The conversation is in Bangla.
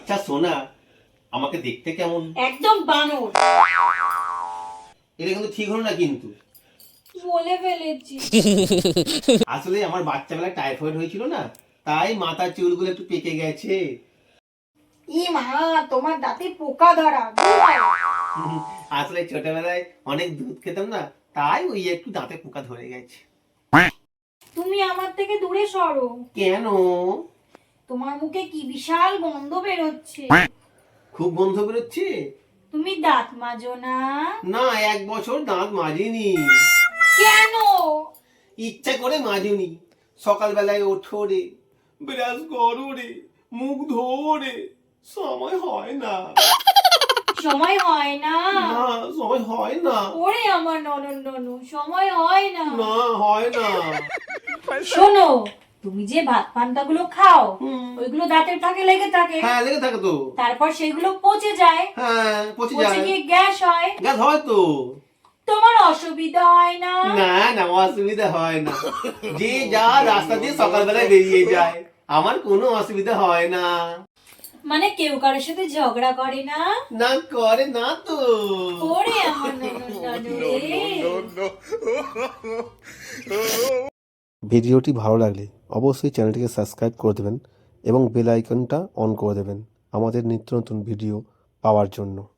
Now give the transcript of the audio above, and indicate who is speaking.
Speaker 1: বাচ্চা সোনা আমাকে দেখতে কেমন?
Speaker 2: একদম বানর।
Speaker 1: এটা কিন্তু ঠিক হলো না কিন্তু।
Speaker 2: বলে ফেলেছি।
Speaker 1: আসলে আমার বাচ্চাবেলায় টাইফয়েড হয়েছিল না, তাই মাথার চুলগুলো একটু পেকে গেছে।
Speaker 2: ই মা, তোমার দাঁতে পোকা ধরা।
Speaker 1: আসলে ছোটবেলায় অনেক দুধ খেতাম না, তাই ওই একটু দাঁতে পোকা ধরে গেছে।
Speaker 2: তুমি আমার থেকে দূরে সরো।
Speaker 1: কেন?
Speaker 2: তোমার মুখে কি বিশাল গন্ধ বেরোচ্ছে।
Speaker 1: খুব গন্ধ বেরোচ্ছে?
Speaker 2: তুমি দাঁত মাজো না?
Speaker 1: না, 1 বছর দাঁত মাজিনি।
Speaker 2: কেন?
Speaker 1: ইচ্ছা করে মাজুনি। সকালবেলায় ওঠো রে, ব্রাশ করো রে, মুখ ধোরে, সময় হয় না।
Speaker 2: সময় হয় না?
Speaker 1: না, সময় হয় না।
Speaker 2: ওরে আমার ননু, সময় হয় না।
Speaker 1: না, হয় না।
Speaker 2: শোনো, তুমি যে ভাত পান্তা গুলো খাও,
Speaker 1: হুম।
Speaker 2: ওইগুলো দাঁতের ফাঁকে লেগে থাকে।
Speaker 1: হ্যাঁ, লেগে থাকে তো।
Speaker 2: তারপর সেগুলো পচে যায়।
Speaker 1: হ্যাঁ, পচে
Speaker 2: পচে
Speaker 1: যায়।
Speaker 2: গিয়ে গ্যাস হয়।
Speaker 1: গ্যাস হয় তো।
Speaker 2: তোমার অসুবিধা হয় না?
Speaker 1: না না, অসুবিধা হয় না। যে যা রাস্তা দিয়ে সকালবেলায় বেরিয়ে যায়, আমার কোনো অসুবিধা হয় না।
Speaker 2: মানে কেউ কারোর সাথে ঝগড়া করে না?
Speaker 1: না, করে না তো।
Speaker 2: ওরে আমার ননু রে।
Speaker 3: ভিডিওটি ভালো লাগলে অবশ্যই চ্যানেলটিকে সাবস্ক্রাইব করে দেবেন এবং বেল আইকনটা অন করে দেবেন আমাদের নিত্য নতুন ভিডিও পাওয়ার জন্য।